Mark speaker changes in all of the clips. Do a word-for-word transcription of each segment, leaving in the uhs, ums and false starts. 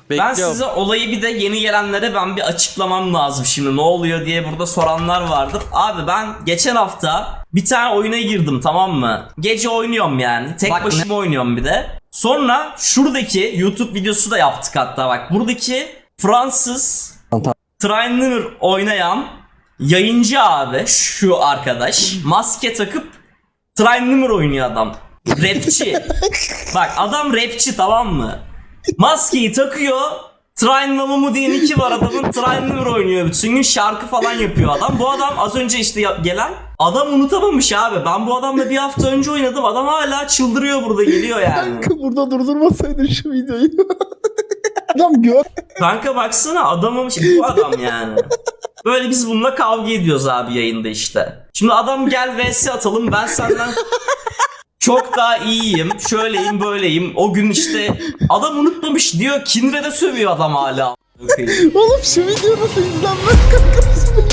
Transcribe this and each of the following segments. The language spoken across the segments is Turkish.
Speaker 1: Ben size olayı bir de yeni gelenlere ben bir açıklamam lazım şimdi ne oluyor diye burada soranlar vardır. Abi ben geçen hafta bir tane oyuna girdim, tamam mı? Gece oynuyorum yani. Tek bak, başıma ne? oynuyorum bir de. Sonra şuradaki YouTube videosu da yaptık hatta bak. Buradaki Fransız Trainer oynayan yayıncı abi şu arkadaş maske takıp Trainer oynuyor adam. Rapçi. Bak adam rapçi, tamam mı? Maskeyi takıyor. Trainlamamı diye iki var adamın. Trainer oynuyor. Bütün gün şarkı falan yapıyor adam. Bu adam az önce işte gelen adam unutamamış abi. Ben bu adamla bir hafta önce oynadım. Adam hala çıldırıyor burada, geliyor yani.
Speaker 2: Kanka burada durdurmasaydın şu videoyu. Adam gör.
Speaker 1: Kanka baksana adamamış bu adam yani. Böyle biz bununla kavga ediyoruz abi yayında işte. Şimdi adam gel vs atalım, ben senden çok daha iyiyim, şöyleyim böyleyim. O gün işte adam unutmamış diyor, Kindred'e sövüyor adam hala.
Speaker 2: Oğlum şu video nasıl izlenmez kanka?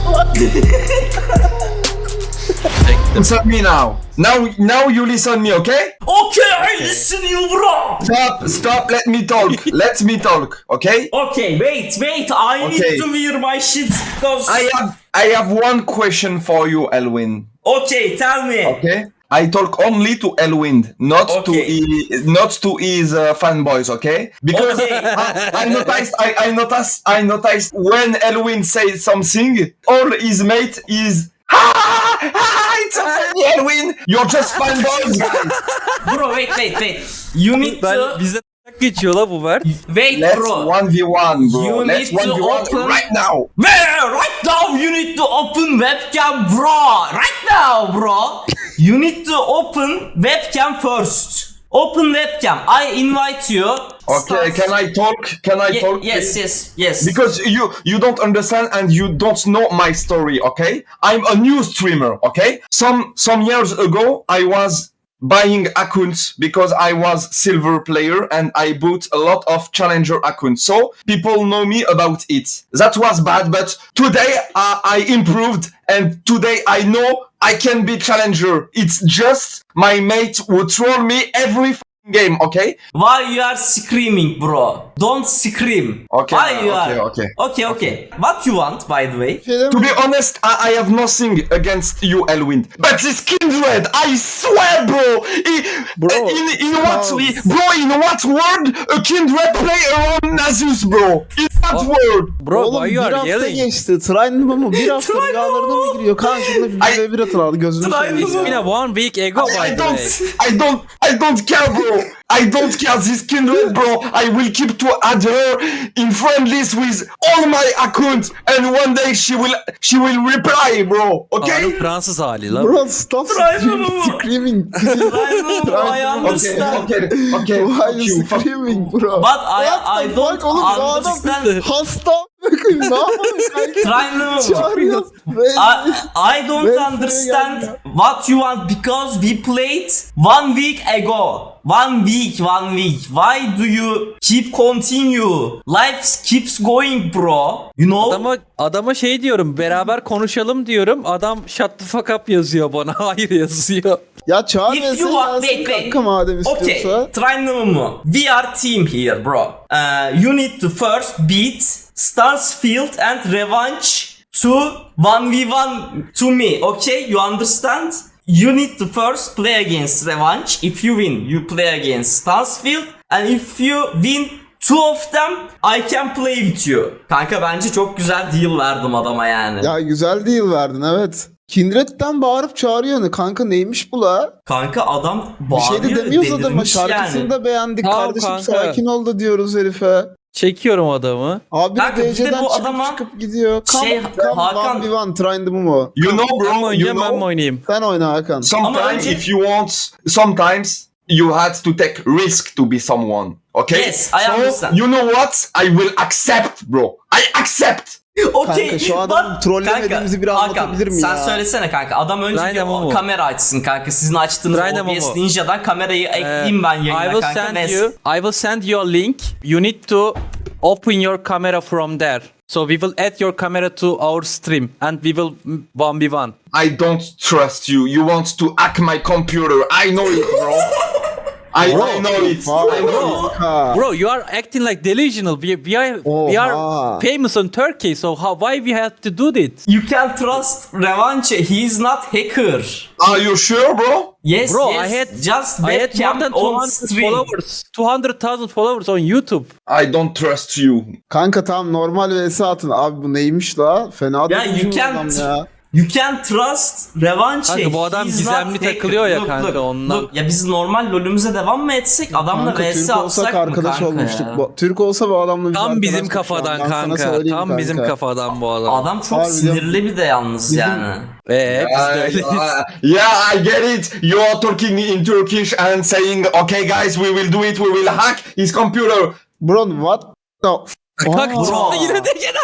Speaker 3: Listen me now. Now, now you listen me, okay?
Speaker 1: Okay, I listen you bro.
Speaker 3: Stop, stop. Let me talk. Let me talk, okay?
Speaker 1: Okay, wait, wait. I
Speaker 3: Okay.
Speaker 1: need to wear my shit because.
Speaker 3: I have, I have one question for you, Elwin.
Speaker 1: Okay, tell me.
Speaker 3: Okay. I talk only to Elwin, not
Speaker 1: Okay.
Speaker 3: to he, not to his uh, fanboys, okay? Because
Speaker 1: Okay.
Speaker 3: I, I noticed, I, I noticed, I noticed when Elwin says something, all his mate is. Ha! Ha! It's a funny Elwin. You're just fanboys, guys.
Speaker 1: Bro, wait, wait, wait. You need
Speaker 4: Ben
Speaker 1: to
Speaker 4: bize geçiyor la bu ver.
Speaker 1: wait,
Speaker 3: Let's
Speaker 1: bro.
Speaker 3: one v one, bro.
Speaker 1: You
Speaker 3: Let's
Speaker 1: need to
Speaker 3: one v one
Speaker 1: open-
Speaker 3: right now.
Speaker 1: Man, right now you need to open webcam, bro. Right now, bro. You need to open webcam first. Open webcam. I invite you.
Speaker 3: Okay,
Speaker 1: Start-
Speaker 3: can I talk? Can I
Speaker 1: Ye-
Speaker 3: talk?
Speaker 1: yes,
Speaker 3: please?
Speaker 1: yes, yes.
Speaker 3: Because you you don't understand and you don't know my story, okay? I'm a new streamer, okay? Some some years ago I was buying accounts because I was silver player and I bought a lot of challenger accounts. So people know me about it. That was bad, but today uh, I improved and today I know I can be challenger. It's just my mate who troll me every f***ing game, okay?
Speaker 1: Why you are screaming, bro? Don't scream.
Speaker 3: Okay,
Speaker 1: Why you
Speaker 3: okay,
Speaker 1: are?
Speaker 3: okay.
Speaker 1: Okay, okay. What you want, by the way?
Speaker 2: Şeyden
Speaker 3: To be honest, I, I have nothing against you, Elwin. But this Kindred, I swear, bro. I-
Speaker 2: Bro,
Speaker 3: in, in what,
Speaker 2: Charles.
Speaker 3: bro? In what world a Kindred play around Nasus, bro? In what world?
Speaker 4: Bro,
Speaker 2: Oğlum
Speaker 4: why
Speaker 2: bir
Speaker 4: you are
Speaker 2: hafta
Speaker 4: yelling?
Speaker 2: geçti. Train'lı mı? Bir hafta
Speaker 1: Train'lı
Speaker 2: rüyalarına mı giriyor? Karşımda bir
Speaker 3: Ay-
Speaker 2: ve bir atılardı gözünü
Speaker 1: Train'lı
Speaker 2: seveyim
Speaker 4: It's
Speaker 1: mı?
Speaker 2: ya.
Speaker 4: been a one week ago by
Speaker 3: I
Speaker 4: the
Speaker 3: don't,
Speaker 4: way.
Speaker 3: I don't, I don't care, bro. I don't care this Kindred, bro. I will keep to add her in friendlies with all my accounts, and one day she will, she will reply, bro. Okay?
Speaker 4: Ağrı Fransız hali la.
Speaker 2: Bro stop
Speaker 1: Train'lı mı?
Speaker 2: screaming.
Speaker 1: Train'lı I
Speaker 3: Okay,
Speaker 1: understand.
Speaker 3: okay, okay.
Speaker 2: Why
Speaker 3: Fuck
Speaker 2: you
Speaker 3: you, fuck
Speaker 2: screaming bro?
Speaker 1: But I,
Speaker 2: What
Speaker 1: I
Speaker 2: the
Speaker 1: don't
Speaker 2: fuck oğlum, bu adam
Speaker 1: understand.
Speaker 2: hasta. Ne yapalım kanka?
Speaker 1: Train'lı mı?
Speaker 2: Çağırıyoruz.
Speaker 1: I, I don't
Speaker 2: Ben
Speaker 1: understand
Speaker 2: buraya
Speaker 1: what you want because we played one week ago. One week, one week. Why do you keep continue? Life keeps going, bro. You know?
Speaker 4: Adama, adama şey diyorum, beraber konuşalım diyorum. Adam shut the fuck up yazıyor bana. Hayır yazıyor.
Speaker 2: Ya çağır
Speaker 1: If
Speaker 2: ve
Speaker 1: you want,
Speaker 2: gelsin
Speaker 1: wait, wait.
Speaker 2: kanka madem
Speaker 1: Okay,
Speaker 2: istiyorsa.
Speaker 1: try no We are team here, bro. Uh, you need to first beat Stansfield and Revenge to one v one to me, okay? You understand? You need to first play against Revenge. If you win, you play against Stansfield. And if you win two of them, I can play with you. Kanka bence çok güzel deal verdim adama yani.
Speaker 2: Ya güzel değil verdin evet. Kindred'den bağırıp çağırıyor ne kanka neymiş bu la?
Speaker 1: Kanka adam
Speaker 2: Bir
Speaker 1: bağırıyor,
Speaker 2: şey de demiyoruz adama
Speaker 1: delirmiş
Speaker 2: şarkısını
Speaker 1: yani.
Speaker 2: da beğendik
Speaker 4: Tamam
Speaker 2: kardeşim
Speaker 4: kanka.
Speaker 2: sakin ol da diyoruz herife.
Speaker 4: Çekiyorum adamı.
Speaker 2: Abi
Speaker 1: Kanka, bir de
Speaker 2: D C'den
Speaker 1: bu
Speaker 2: çıkıp
Speaker 1: adama
Speaker 2: çıkıp gidiyor. Come,
Speaker 1: şey,
Speaker 2: come
Speaker 1: Hakan-
Speaker 2: one v one Train'dı mı mu?
Speaker 3: You know,
Speaker 4: Ben mi
Speaker 3: bro. You
Speaker 4: oynayacağım ben mi
Speaker 3: know.
Speaker 4: oynayayım?
Speaker 2: Sen oyna Hakan.
Speaker 3: Sometimes,
Speaker 1: önce-
Speaker 3: if you want, sometimes you had to take risk to be someone. Okay.
Speaker 1: Yes, I
Speaker 3: so,
Speaker 1: understand.
Speaker 3: you know what? I will accept, bro. I accept.
Speaker 1: Okay,
Speaker 2: Kanka, şu adamın
Speaker 1: but-
Speaker 2: trollemediğimizi bir
Speaker 1: Hakan,
Speaker 2: anlatabilir mi
Speaker 1: sen
Speaker 2: ya?
Speaker 1: söylesene kanka. Adam önce
Speaker 4: Ryan
Speaker 1: bir o
Speaker 4: Momo.
Speaker 1: kamera açsın kanka. Sizin açtığınız
Speaker 4: Ryan
Speaker 1: O B S
Speaker 4: Momo.
Speaker 1: Ninja'dan kamerayı
Speaker 4: Ee,
Speaker 1: ekleyeyim ben
Speaker 4: I
Speaker 1: yayına
Speaker 4: will
Speaker 1: kanka.
Speaker 4: send
Speaker 1: Ve-
Speaker 4: you I will send you a link. You need to open your camera from there. So we will add your camera to our stream and we will one v one.
Speaker 3: I don't trust you. You want to hack my computer. I know it, bro. I,
Speaker 4: Bro.
Speaker 3: I know it.
Speaker 2: Vay
Speaker 3: I know it.
Speaker 2: kanka.
Speaker 4: Bro, you are acting like delusional. We, we are we are
Speaker 2: Oha.
Speaker 4: famous in Turkey, so how why we have to do this?
Speaker 1: You can trust Revanche. He is not hacker.
Speaker 3: Are you sure, bro?
Speaker 1: Yes,
Speaker 4: Bro,
Speaker 1: yes.
Speaker 4: I had
Speaker 1: just
Speaker 4: I had more
Speaker 1: webcam
Speaker 4: than
Speaker 1: on
Speaker 4: two hundred
Speaker 1: stream.
Speaker 4: followers, two hundred thousand followers on YouTube.
Speaker 3: I don't trust you.
Speaker 2: Kanka tam normal vs atın. Abi bu neymiş la? Fena
Speaker 1: Ya
Speaker 2: değil
Speaker 1: you
Speaker 2: bu
Speaker 1: can
Speaker 2: adam ya.
Speaker 1: You can trust Revanche.
Speaker 4: Kanka bu adam
Speaker 1: He's
Speaker 4: gizemli
Speaker 1: not hacker.
Speaker 4: takılıyor ya
Speaker 1: Look,
Speaker 4: kanka,
Speaker 1: look,
Speaker 4: ondan.
Speaker 1: look. Ya biz normal lolümüze devam mı etsek? Adamla
Speaker 2: Kanka
Speaker 1: vs
Speaker 2: Türk
Speaker 1: atsak
Speaker 2: olsak
Speaker 1: mı
Speaker 2: arkadaş
Speaker 1: kanka
Speaker 2: olmuştuk.
Speaker 1: ya?
Speaker 2: Bu- Türk olsa bu adamla biz
Speaker 4: Tam
Speaker 2: arkadaştık
Speaker 4: bizim
Speaker 2: şu an.
Speaker 4: kafadan
Speaker 2: Ben sana
Speaker 4: kanka.
Speaker 2: söyleyeyim
Speaker 4: Tam bizim
Speaker 2: kanka.
Speaker 4: kafadan bu adam.
Speaker 1: Adam çok
Speaker 2: Harbiden-
Speaker 1: sinirli bir de yalnız
Speaker 2: Bizim-
Speaker 1: yani.
Speaker 4: Eee biz de
Speaker 3: Uh,
Speaker 4: öyleyiz.
Speaker 3: uh, yeah, I get it. You are talking in Turkish and saying, okay, guys, we will do it. We will hack his computer.
Speaker 2: Bro what the f-
Speaker 4: Kanka
Speaker 2: Aa,
Speaker 1: bro.
Speaker 4: çıktı yine de gene.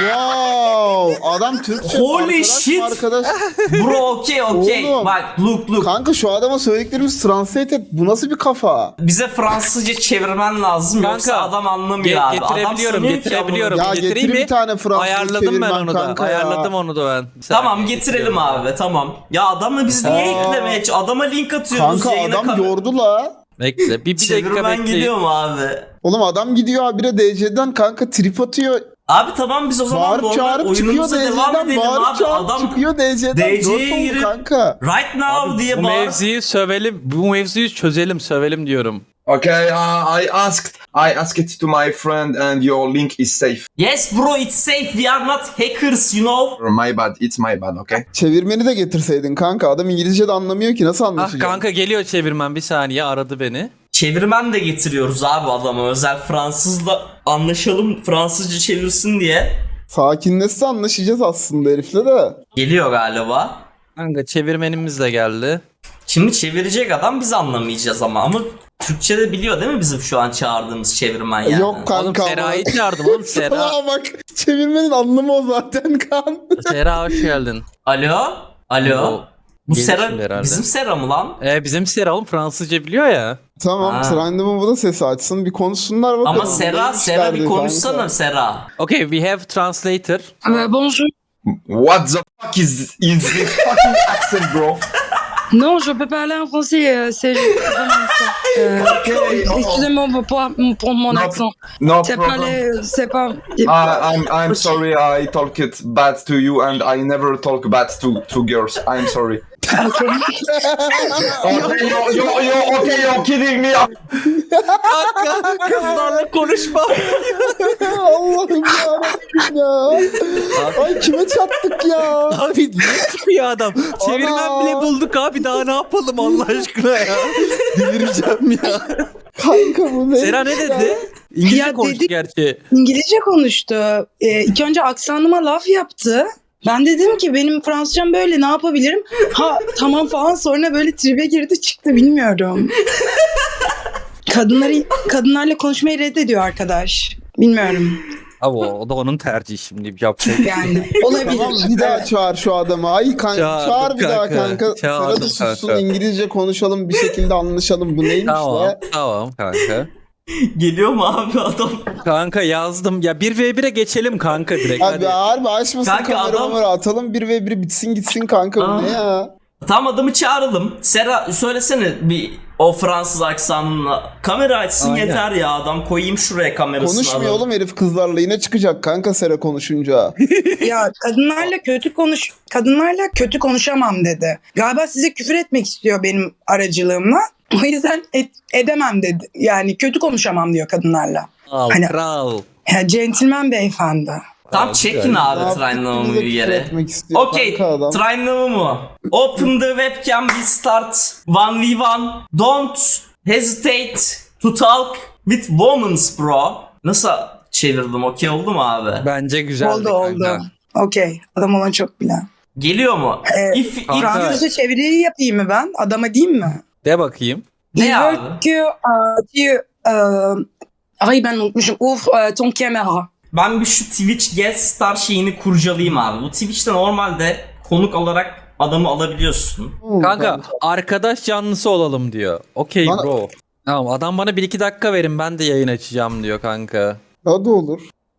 Speaker 2: Wow. Adam Türkçe
Speaker 1: Holy
Speaker 2: arkadaş
Speaker 1: shit.
Speaker 2: arkadaş.
Speaker 1: Bro okey okey.
Speaker 2: Oğlum.
Speaker 1: Bak look look.
Speaker 2: Kanka şu adama söylediklerimiz translate et. Bu nasıl bir kafa?
Speaker 1: Bize Fransızca çevirmen lazım
Speaker 4: Kanka,
Speaker 1: yoksa adam anlamıyor
Speaker 4: Ge-
Speaker 1: abi. Adam
Speaker 4: getirebiliyorum,
Speaker 1: sanıyor ki
Speaker 4: getirebiliyorum.
Speaker 2: Ya
Speaker 4: Getireyim
Speaker 2: getir
Speaker 4: mi?
Speaker 2: bir tane Fransız
Speaker 4: Ayarladım ben
Speaker 2: çevirmen
Speaker 4: onu da.
Speaker 2: kanka ya.
Speaker 4: Ayarladım onu da ben. Bir
Speaker 1: Tamam
Speaker 4: saniye,
Speaker 1: getirelim
Speaker 4: getiriyorum
Speaker 1: abi tamam. Ya adamla biz niye
Speaker 2: Aa.
Speaker 1: eklemeye Adama link atıyoruz
Speaker 2: Kanka
Speaker 1: yayına.
Speaker 2: adam
Speaker 1: kam-
Speaker 2: yordu la.
Speaker 4: Bekle bir, bir dakika
Speaker 1: Çevirmen
Speaker 4: bekleyin.
Speaker 1: gidiyor mu abi?
Speaker 2: Oğlum adam gidiyor habire D C'den kanka trip atıyor.
Speaker 1: Abi tamam biz o zaman
Speaker 2: Bağırıp
Speaker 1: normal
Speaker 2: çağırıp çıkıyor
Speaker 1: oyunumuza devam
Speaker 2: D C'den.
Speaker 1: edelim
Speaker 2: Bağırıp
Speaker 1: abi.
Speaker 2: çağırıp
Speaker 1: Adam
Speaker 2: çıkıyor D C'den.
Speaker 1: D C'ye
Speaker 2: Dört oldu
Speaker 1: girip-
Speaker 2: kanka.
Speaker 1: right now diye
Speaker 4: Bu
Speaker 1: bağır.
Speaker 4: mevziyi sövelim, bu mevziyi çözelim, sövelim diyorum.
Speaker 3: Okay, uh, I asked, I asked it to my friend, and your link is safe.
Speaker 1: Yes bro it's safe we are not hackers you know.
Speaker 3: My bad. It's my bad. Okay.
Speaker 2: Çevirmeni de getirseydin kanka. Adam İngilizce de anlamıyor ki nasıl
Speaker 4: Ah
Speaker 2: anlaşacak?
Speaker 4: kanka geliyor çevirmen, bir saniye aradı beni.
Speaker 1: Çevirmen de getiriyoruz abi adama özel Fransızla anlaşalım Fransızca çevirsin diye.
Speaker 2: Sakinleşse anlaşacağız aslında herifle de.
Speaker 1: Geliyor galiba.
Speaker 4: Kanka çevirmenimiz de geldi.
Speaker 1: Şimdi çevirecek adam biz anlamayacağız ama ama Türkçe de biliyor değil mi bizim şu an çağırdığımız çevirmen yani?
Speaker 2: Yok kanka.
Speaker 4: Oğlum
Speaker 2: ama-
Speaker 4: Sera'yı çağırdım oğlum, Sera.
Speaker 2: Salaha bak. Çevirmenin anlamı o zaten kan.
Speaker 4: Sera hoş geldin.
Speaker 1: Alo? Alo?
Speaker 4: O
Speaker 1: Bu
Speaker 4: gelir
Speaker 1: Sera
Speaker 4: şimdi herhalde.
Speaker 1: bizim Sera mı lan?
Speaker 4: Ee, bizim Sera oğlum Fransızca biliyor ya.
Speaker 2: Tamam.
Speaker 1: Ha.
Speaker 2: Trendim'in bu da sesi açsın. Bir konuşsunlar bakalım.
Speaker 1: Ama Sera,
Speaker 2: Neymiş
Speaker 1: Sera bir
Speaker 2: derdi
Speaker 1: konuşsana
Speaker 2: kanka.
Speaker 1: Sera.
Speaker 4: Okay, we have translator.
Speaker 5: Euh, bonjour.
Speaker 3: What the fuck is is this fucking accent, bro?
Speaker 5: Non, je peux parler en français, euh, c'est vraiment ça. Euh, Excusez-moi pour, pour, pour mon
Speaker 3: No,
Speaker 5: accent.
Speaker 3: no
Speaker 5: C'est pas
Speaker 3: problem.
Speaker 5: les, c'est pas.
Speaker 3: Uh, I'm I'm sorry. I talk it bad to you, and I never talk bad to to girls. I'm sorry.
Speaker 5: Ok.
Speaker 3: Okay, you're, you're, you're okay. You're kidding me.
Speaker 4: Kanka kızlarla konuşma.
Speaker 2: Allah'ım yarabbim ya. Ay kime çattık ya?
Speaker 4: Abi niye çıkıyor adam? Çevirmen
Speaker 2: Ana.
Speaker 4: bile bulduk abi, daha ne yapalım Allah aşkına ya. Delireceğim ya.
Speaker 2: Kanka bu ne?
Speaker 4: Sera ne dedi? İngilizce
Speaker 5: Ya
Speaker 4: konuştu
Speaker 5: dedi-
Speaker 4: gerçi.
Speaker 5: İngilizce konuştu. Ee, ilk önce aksanıma laf yaptı. Ben dedim ki benim Fransızcam böyle, ne yapabilirim? Ha tamam falan, sonra böyle tribe girdi çıktı, bilmiyorum. Kadınları kadınlarla konuşmayı reddediyor arkadaş. Bilmiyorum
Speaker 4: Abi o, o da onun tercihi şimdi yapacak.
Speaker 5: yani. Olabilir.
Speaker 2: Tamam bir daha çağır şu adamı. Ay kanka
Speaker 4: Çağırdım
Speaker 2: çağır bir daha
Speaker 4: kanka.
Speaker 2: kanka.
Speaker 4: Çağırdım
Speaker 2: Sera da sussun
Speaker 4: kanka.
Speaker 2: İngilizce konuşalım bir şekilde anlaşalım. Bu neymiş
Speaker 4: Tamam
Speaker 2: la?
Speaker 4: tamam kanka.
Speaker 1: Geliyor mu abi adam?
Speaker 4: Kanka yazdım ya, bir ve bire geçelim kanka direkt
Speaker 2: Abi
Speaker 4: hadi.
Speaker 2: harbi açmasın
Speaker 1: Kanka
Speaker 2: kamera
Speaker 1: adam-
Speaker 2: mamara, atalım bir ve bir bitsin gitsin kanka bu
Speaker 1: Aa.
Speaker 2: ne ya?
Speaker 1: Tamam adamı çağıralım. Sera söylesene bir o Fransız aksanınla. Kamera açsın
Speaker 4: Aynen.
Speaker 1: yeter ya adam koyayım şuraya kamerasını.
Speaker 2: Konuşmuyor
Speaker 1: adam.
Speaker 2: oğlum herif kızlarla, yine çıkacak kanka Sera konuşunca.
Speaker 5: Ya kadınlarla kötü konuş kadınlarla kötü konuşamam dedi. Galiba size küfür etmek istiyor benim aracılığımla. O yüzden et- edemem dedi. Yani kötü konuşamam diyor kadınlarla.
Speaker 4: Al
Speaker 5: Hani-
Speaker 4: kral.
Speaker 5: Ya centilmen beyefendi.
Speaker 1: Tam
Speaker 4: Abi,
Speaker 1: çekin
Speaker 4: güzel.
Speaker 1: abi
Speaker 2: Ne
Speaker 1: Trainlamamı
Speaker 2: yaptık,
Speaker 1: bir
Speaker 2: bize
Speaker 1: yere.
Speaker 2: küfür etmek istiyor
Speaker 1: Okay,
Speaker 2: kanka adam.
Speaker 1: Trainlamamı. Open the webcam, we start one v one. Don't hesitate to talk with women bro. Nasıl çevirdim? Okey oldu mu abi?
Speaker 4: Bence güzeldi
Speaker 5: oldu
Speaker 4: kanka.
Speaker 5: oldu. Okey. Adam olan çok bilen.
Speaker 1: Geliyor mu?
Speaker 5: Ee,
Speaker 1: if, if
Speaker 4: kanka.
Speaker 5: Fransızca çeviriyi yapayım mı ben? Adama diyeyim mi?
Speaker 4: De bakayım.
Speaker 1: Ne
Speaker 5: Il
Speaker 1: abi?
Speaker 5: veut que euh, tu... Euh... Ay ben unutmuşum. Ouvre euh, ton caméra.
Speaker 1: Ben bir şu Twitch guest star şeyini kurcalayayım abi. Bu Twitch'te normalde konuk olarak adamı alabiliyorsun.
Speaker 2: Hı,
Speaker 4: Kanka arkadaş canlısı olalım diyor. Okey
Speaker 2: Bana-
Speaker 4: bro. Tamam adam bana bir iki dakika verin ben de yayın açacağım diyor kanka.
Speaker 2: Hadi olur.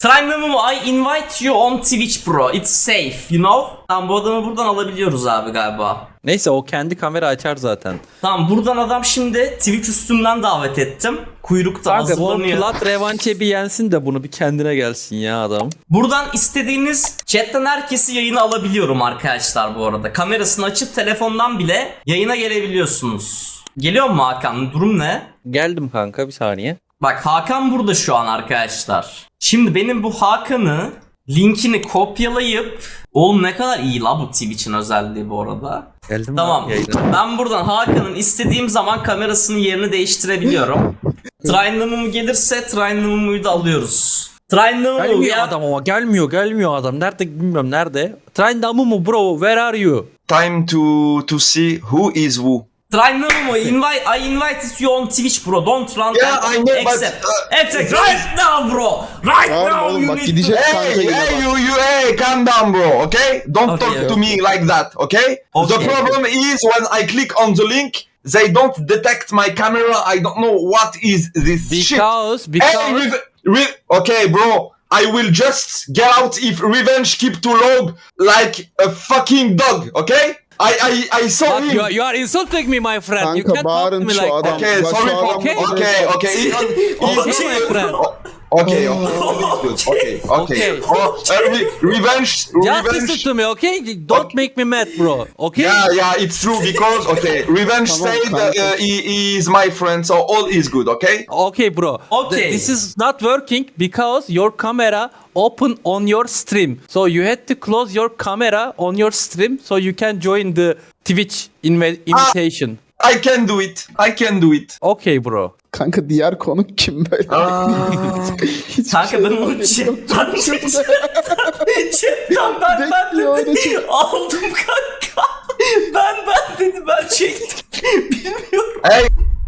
Speaker 1: Trinamum, I invite you on Twitch bro. It's safe, you know? Tamam, bu adamı buradan alabiliyoruz abi galiba.
Speaker 4: Neyse o kendi kamera açar zaten.
Speaker 1: Tamam, buradan adam şimdi Twitch üstünden davet ettim. Kuyrukta
Speaker 4: Kanka bu
Speaker 1: hazırlanıyor.
Speaker 4: plat revanche bir yensin de bunu bir kendine gelsin ya adam.
Speaker 1: Buradan istediğiniz chatten herkesi yayına alabiliyorum arkadaşlar bu arada. Kamerasını açıp telefondan bile yayına gelebiliyorsunuz. Geliyor mu Hakan? Durum ne?
Speaker 4: Geldim kanka bir saniye.
Speaker 1: Bak Hakan burada şu an arkadaşlar. Şimdi benim bu Hakan'ı linkini kopyalayıp, oğlum ne kadar iyi la bu Twitch'in özelliği bu arada.
Speaker 4: Geldim
Speaker 1: Tamam.
Speaker 4: abi yayına.
Speaker 1: Ben buradan Hakan'ın istediğim zaman kamerasının yerini değiştirebiliyorum. Trinamum gelirse Trinamum'u da alıyoruz. Trinamum
Speaker 4: Gelmiyor
Speaker 1: ya.
Speaker 4: adam ama gelmiyor gelmiyor adam. Nerede bilmiyorum nerede. Try Damumu bro where are you?
Speaker 3: Time to to see who is who.
Speaker 1: Trinamum, invite, I invited you on Twitch bro. Don't run
Speaker 3: Yeah,
Speaker 1: and
Speaker 3: I know, but,
Speaker 1: accept.
Speaker 3: uh,
Speaker 1: Accept right now bro. Right
Speaker 2: Tamam
Speaker 1: now
Speaker 2: oğlum
Speaker 1: you
Speaker 2: bak
Speaker 1: need
Speaker 2: gidecek
Speaker 1: to-
Speaker 2: kanka
Speaker 3: Hey,
Speaker 2: yine
Speaker 3: hey,
Speaker 2: bak.
Speaker 3: you, you, hey, calm down, bro. Okay, don't
Speaker 1: Okay,
Speaker 3: talk to
Speaker 2: okay.
Speaker 3: me like that. Okay?
Speaker 1: Okay.
Speaker 3: The problem is when I click on the link, they don't detect my camera. I don't know what is this shit.
Speaker 4: Because
Speaker 3: Hey,
Speaker 4: because
Speaker 3: Rev- Re- okay, bro. I will just get out if Revenge keep to log like a fucking dog. Okay? I I I saw
Speaker 4: But
Speaker 3: him.
Speaker 4: you, are, you are insulting me my friend. you
Speaker 2: Kanka
Speaker 4: can't talk to
Speaker 2: bağırın
Speaker 4: me
Speaker 2: şu
Speaker 4: like
Speaker 2: adam.
Speaker 4: that.
Speaker 3: Okay,
Speaker 2: Bak şu
Speaker 3: sorry.
Speaker 2: adam-
Speaker 3: Okay,
Speaker 4: Okay.
Speaker 3: okay, okay. He- he-
Speaker 4: Okay,
Speaker 3: he-
Speaker 4: my friend.
Speaker 3: Okay, okay, okay, okay, okay.
Speaker 4: Okay.
Speaker 3: Oh, uh, re- revenge,
Speaker 4: Just
Speaker 3: revenge.
Speaker 4: listen to me, okay? Don't make me mad, bro. Okay?
Speaker 3: Yeah, yeah, it's true because okay, revenge
Speaker 2: Come on,
Speaker 3: said
Speaker 2: come
Speaker 3: uh,
Speaker 2: on.
Speaker 3: uh, he, he is my friend, so all is good. Okay.
Speaker 4: Okay, bro.
Speaker 1: Okay.
Speaker 4: Th- This is not working because your camera open on your stream. So you had to close your camera on your stream so you can join the Twitch inv- invitation.
Speaker 3: I can do it. I can do it.
Speaker 4: Okay, bro.
Speaker 2: Kanka diğer konuk kim böyle? Hiç
Speaker 1: Kanka
Speaker 2: şey
Speaker 1: ben onu
Speaker 2: olmadı.
Speaker 1: chatten chatten ben ben
Speaker 2: Bekliyor, öyle
Speaker 1: dedim.
Speaker 2: çek-
Speaker 1: Aldım kanka. Ben ben dedi ben çektim. Bilmiyorum.
Speaker 3: Hey,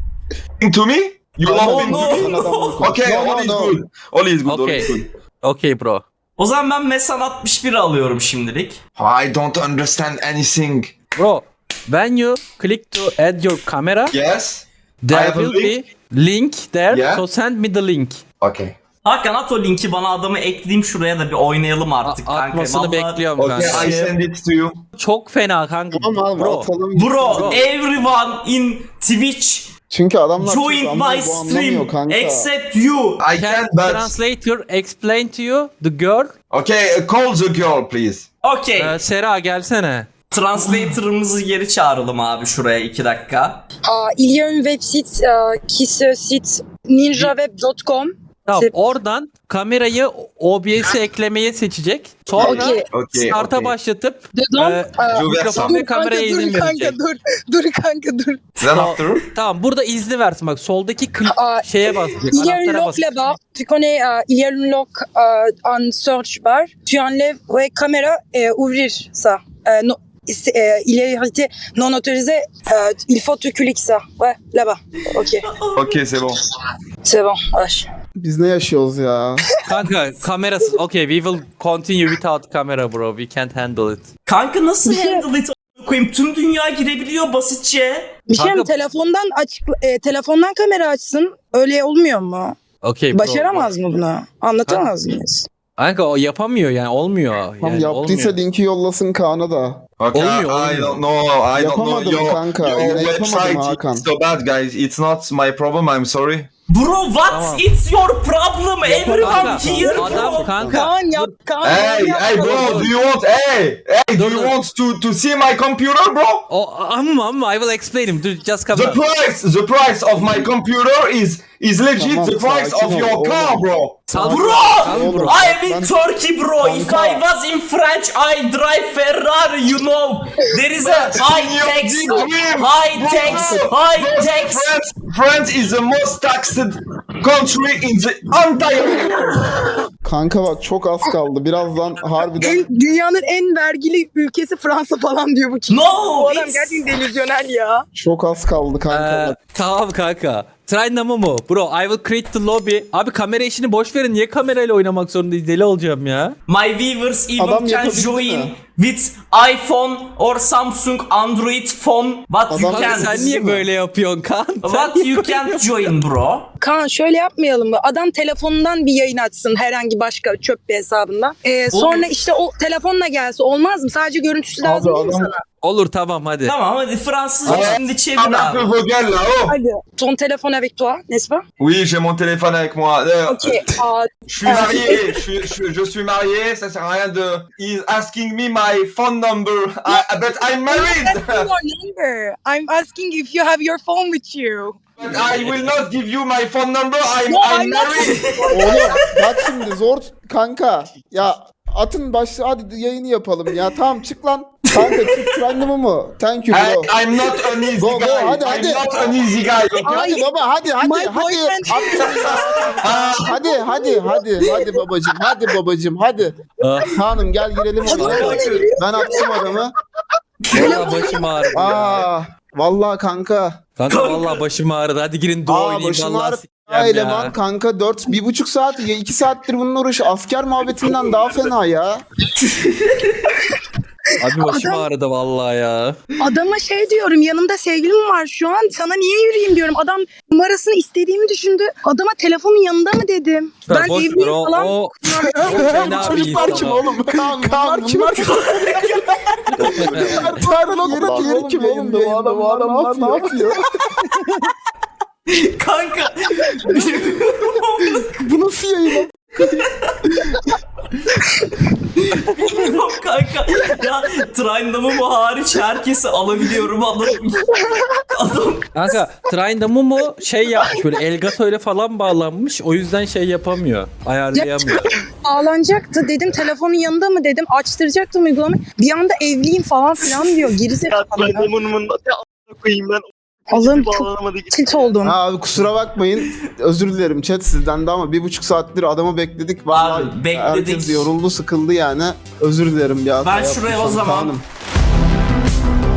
Speaker 3: to me? You
Speaker 1: No,
Speaker 3: love me?
Speaker 1: no.
Speaker 2: Adam bunu
Speaker 3: Okay,
Speaker 2: No,
Speaker 3: all
Speaker 2: no,
Speaker 3: is
Speaker 2: no.
Speaker 3: good. All is good. All
Speaker 4: Okay.
Speaker 3: is good.
Speaker 4: Okay, bro.
Speaker 1: O zaman ben Mesan altmış bir alıyorum şimdilik.
Speaker 3: I don't understand anything.
Speaker 4: Bro, when you click to add your camera,
Speaker 3: Yes. I
Speaker 4: there
Speaker 3: have a
Speaker 4: will
Speaker 3: link.
Speaker 4: be link there.
Speaker 3: Yeah.
Speaker 4: So send me the link.
Speaker 3: Okay.
Speaker 1: Hakan at o linki bana, adamı ekleyeyim şuraya da bir oynayalım artık
Speaker 4: A-
Speaker 1: kanka.
Speaker 4: atmasını
Speaker 1: Vallahi-
Speaker 4: bekliyorum
Speaker 3: Okay,
Speaker 4: kanka.
Speaker 3: I send it to you.
Speaker 4: Çok fena kanka.
Speaker 2: Tamam abi
Speaker 4: Bro.
Speaker 2: atalım. gitsin.
Speaker 1: Bro, everyone in Twitch
Speaker 2: Çünkü adamlar
Speaker 1: join
Speaker 2: Türk
Speaker 1: my
Speaker 2: anlamıyor, bu anlamıyor
Speaker 1: stream
Speaker 2: kanka.
Speaker 1: except you.
Speaker 3: I
Speaker 4: Can
Speaker 3: can, but
Speaker 4: translator explain to you the girl?
Speaker 3: okay. Uh, call the girl, please.
Speaker 1: Okay.
Speaker 4: Ee, Sera gelsene.
Speaker 1: Translator'ımızı geri çağıralım abi şuraya iki dakika.
Speaker 5: Ah, il y a une web site euh, qui se cite ninjaweb dot com.
Speaker 4: Tamam,
Speaker 5: Sep-
Speaker 4: oradan kamerayı O B S'e eklemeyi seçecek. Sonra
Speaker 5: Okay.
Speaker 3: Okay.
Speaker 4: start'a
Speaker 3: okay.
Speaker 4: başlatıp
Speaker 5: Dedans,
Speaker 4: e,
Speaker 5: euh,
Speaker 3: Je vais
Speaker 4: mikrofon
Speaker 3: ça.
Speaker 4: ve kameraya
Speaker 5: kanka,
Speaker 4: izin
Speaker 5: dur kanka
Speaker 4: verecek.
Speaker 5: dur. Dur kanka dur.
Speaker 3: Then after.
Speaker 4: Tamam, burada izni versin bak, soldaki klik
Speaker 5: Aa,
Speaker 4: şeye basacak.
Speaker 5: Il y a une
Speaker 4: Anahtara
Speaker 5: lock
Speaker 4: basacak.
Speaker 5: là-bas. Tu connais, euh, il y a une lock euh, en search bar. Tu enlèves, ouais, caméra et ouvrir ça. Euh, non, c'est, euh, il est arrêté non autorisé. Euh, il faut tu cliques ça. Ouais, là-bas. Ok,
Speaker 3: Okay, c'est bon.
Speaker 5: c'est bon. Wesh.
Speaker 2: Biz ne yaşıyoruz ya?
Speaker 4: Kanka kamerası. Okay, we will continue without camera bro. We can't handle it.
Speaker 1: Kanka nasıl
Speaker 5: Bir şey-
Speaker 1: handle it a**ına koyayım? Tüm dünya girebiliyor basitçe.
Speaker 5: Bir şey mi?
Speaker 4: Kanka-
Speaker 5: Telefondan aç, e, telefondan kamera açsın. Öyle olmuyor mu?
Speaker 4: Okay bro.
Speaker 5: Başaramaz mı bunu? Anlatamaz mıyız?
Speaker 4: Kanka o yapamıyor yani, olmuyor.
Speaker 2: Tam
Speaker 4: Yani
Speaker 2: yaptıysa
Speaker 4: olmuyor.
Speaker 2: linki yollasın Kaan'a da.
Speaker 3: Okay,
Speaker 4: Olmuyor,
Speaker 3: I
Speaker 4: olmuyor.
Speaker 3: don't know. I don't know.
Speaker 2: Yapamadım
Speaker 3: Your,
Speaker 2: kanka,
Speaker 3: your
Speaker 2: yine yapamadım
Speaker 3: website
Speaker 2: Hakan.
Speaker 3: is so bad, guys. It's not my problem. I'm sorry.
Speaker 1: Bro what?
Speaker 4: Tamam.
Speaker 1: It's your problem. Everyone
Speaker 4: Kanka,
Speaker 1: here
Speaker 4: adam
Speaker 1: bro.
Speaker 4: kanka.
Speaker 5: Kaan yap, Kaan
Speaker 3: Hey,
Speaker 5: yap.
Speaker 3: hey, bro. Do you want? Hey, hey. Do
Speaker 4: Dur,
Speaker 3: you
Speaker 4: dur.
Speaker 3: want to to see my computer, bro?
Speaker 4: O amma amma I will explain him. Dude, just come
Speaker 3: The
Speaker 4: on.
Speaker 3: price, the price of my computer is is legit
Speaker 2: Tamam,
Speaker 3: the price
Speaker 2: sakin
Speaker 3: of
Speaker 2: ol,
Speaker 3: your
Speaker 2: oğlum.
Speaker 3: car, bro.
Speaker 4: Sal-
Speaker 1: Bro,
Speaker 4: Sal
Speaker 2: Oğlum.
Speaker 1: I am in
Speaker 2: Ben-
Speaker 1: Turkey bro. If
Speaker 2: Kanka.
Speaker 1: I was in French, I drive Ferrari, you know. There is a high
Speaker 3: Your
Speaker 1: tax,
Speaker 3: big dream,
Speaker 1: high
Speaker 3: bro.
Speaker 1: tax, high
Speaker 3: Bro,
Speaker 1: tax.
Speaker 3: France, France is the most taxed country in the entire world.
Speaker 2: Kanka bak çok az kaldı. Birazdan harbiden
Speaker 5: En, dünyanın en vergili ülkesi Fransa falan diyor bu.
Speaker 1: No,
Speaker 5: Bu adam
Speaker 1: it's-
Speaker 5: gerçekten delüzyonel ya.
Speaker 2: çok az kaldı kanka.
Speaker 4: Ee,
Speaker 2: bak.
Speaker 4: Tamam kanka. Try namı mı? Bro I will create the lobby. Abi kamera işini boş verin. Niye kamerayla oynamak zorundayız? Deli olacağım ya.
Speaker 1: My viewers even
Speaker 2: Adam
Speaker 1: can
Speaker 2: yapabildi
Speaker 1: join
Speaker 2: mi?
Speaker 1: with iPhone or Samsung Android phone. But you
Speaker 2: Adam-
Speaker 4: Kanka
Speaker 1: can't.
Speaker 4: sen niye böyle yapıyorsun kan? Sen
Speaker 1: But
Speaker 4: niye
Speaker 1: you
Speaker 4: böyle
Speaker 1: can't join bro.
Speaker 5: Kaan şöyle yapmayalım mı? Adam telefonundan bir yayın açsın herhangi başka çöp bir hesabından. Ee, sonra işte o telefonla gelse olmaz mı? Sadece görüntüsü
Speaker 2: Abi
Speaker 5: lazım değil mi
Speaker 2: adam-
Speaker 5: sana?
Speaker 4: Olur tamam hadi.
Speaker 1: Tamam hadi Fransızca
Speaker 3: Evet.
Speaker 1: şimdi çevir
Speaker 3: Ah, un
Speaker 1: abi.
Speaker 3: peu vos gueules là-haut.
Speaker 5: Hadi. Ton telefon avec toi, n'est-ce pas?
Speaker 3: Oui, j'ai mon téléphone avec moi. Euh,
Speaker 5: Ok. Aa,
Speaker 3: Je suis marié, je suis, je, suis- je suis marié, ça sert à rien de... He's asking me my phone number, I, but I'm
Speaker 5: I'm
Speaker 3: married!
Speaker 5: asking your number. I'm asking if you have your phone with you.
Speaker 3: But I will not give you my phone number, I'm,
Speaker 5: No,
Speaker 3: I'm
Speaker 5: I'm not-
Speaker 3: married!
Speaker 2: Oğlum bak şimdi zor kanka. Ya atın başlı hadi yayını yapalım ya. Tamam çık lan. Kanka çık trendimi mı? Thank you
Speaker 3: I,
Speaker 2: bro.
Speaker 3: I'm not an easy
Speaker 2: Go, go,
Speaker 3: guy,
Speaker 2: hadi,
Speaker 3: I'm
Speaker 2: hadi.
Speaker 3: not an easy guy, okay?
Speaker 2: Hadi baba hadi hadi
Speaker 5: My
Speaker 2: hadi.
Speaker 5: boyfriend-
Speaker 2: Hadi hadi hadi hadi babacım hadi babacım hadi.
Speaker 4: Ah,
Speaker 2: Hanım gel girelim ona. Ben attım adamı.
Speaker 4: vallahi başım ağrıdı ya.
Speaker 2: Aa vallahi kanka.
Speaker 4: Kanka vallahi başım ağrıdı. Hadi girin duo
Speaker 2: Aa
Speaker 4: oynayayım.
Speaker 2: başım
Speaker 4: Vallahi
Speaker 2: ağrı.
Speaker 4: s**eceğim
Speaker 2: Eleman
Speaker 4: ya.
Speaker 2: kanka dört bir buçuk saat ya iki saattir bunun uğraşı asker muhabbetinden daha fena ya.
Speaker 4: Abi başım
Speaker 5: Adam-
Speaker 4: ağrıdı vallahi ya.
Speaker 5: Adama şey diyorum, yanımda sevgilim var şu an, sana niye yürüyeyim diyorum. Adam numarasını istediğimi düşündü. Adama telefonun yanında mı dedim.
Speaker 4: Ya
Speaker 5: Ben
Speaker 4: boş ver,
Speaker 5: evliyim
Speaker 4: o,
Speaker 5: falan.
Speaker 4: o, o fena bir
Speaker 2: Çocuklar
Speaker 4: insan
Speaker 2: kim
Speaker 4: o.
Speaker 2: oğlum? Kaan bunlar kim? Tarık diğeri kim oğlum? Bu adamlar ne yapıyor?
Speaker 1: Kanka.
Speaker 2: Bu nasıl yayın?
Speaker 1: Bilmiyorum kanka. Ya Trindam'ı bu hariç herkesi alabiliyorum adam. Adam.
Speaker 4: Kanka Trine mu şey yapmış böyle Elgato ile falan bağlanmış. O yüzden şey yapamıyor. Ayarlayamıyor.
Speaker 5: Ağlanacaktı, dedim telefonun yanında mı dedim. Açtıracaktım uygulamayı. Bir anda evliyim falan filan diyor. Gerizekalı. ya.
Speaker 6: koyayım ben.
Speaker 5: Allah'ım çok
Speaker 6: Bağlanamadı.
Speaker 5: tilt oldum.
Speaker 2: Ha, abi kusura bakmayın. Özür dilerim chat sizden de ama bir buçuk saattir adamı bekledik. Vallahi
Speaker 1: Abi, bekledik.
Speaker 2: herkes yoruldu sıkıldı yani. Özür dilerim ya.
Speaker 1: Ben şuraya o zaman-
Speaker 2: Kaan'ım.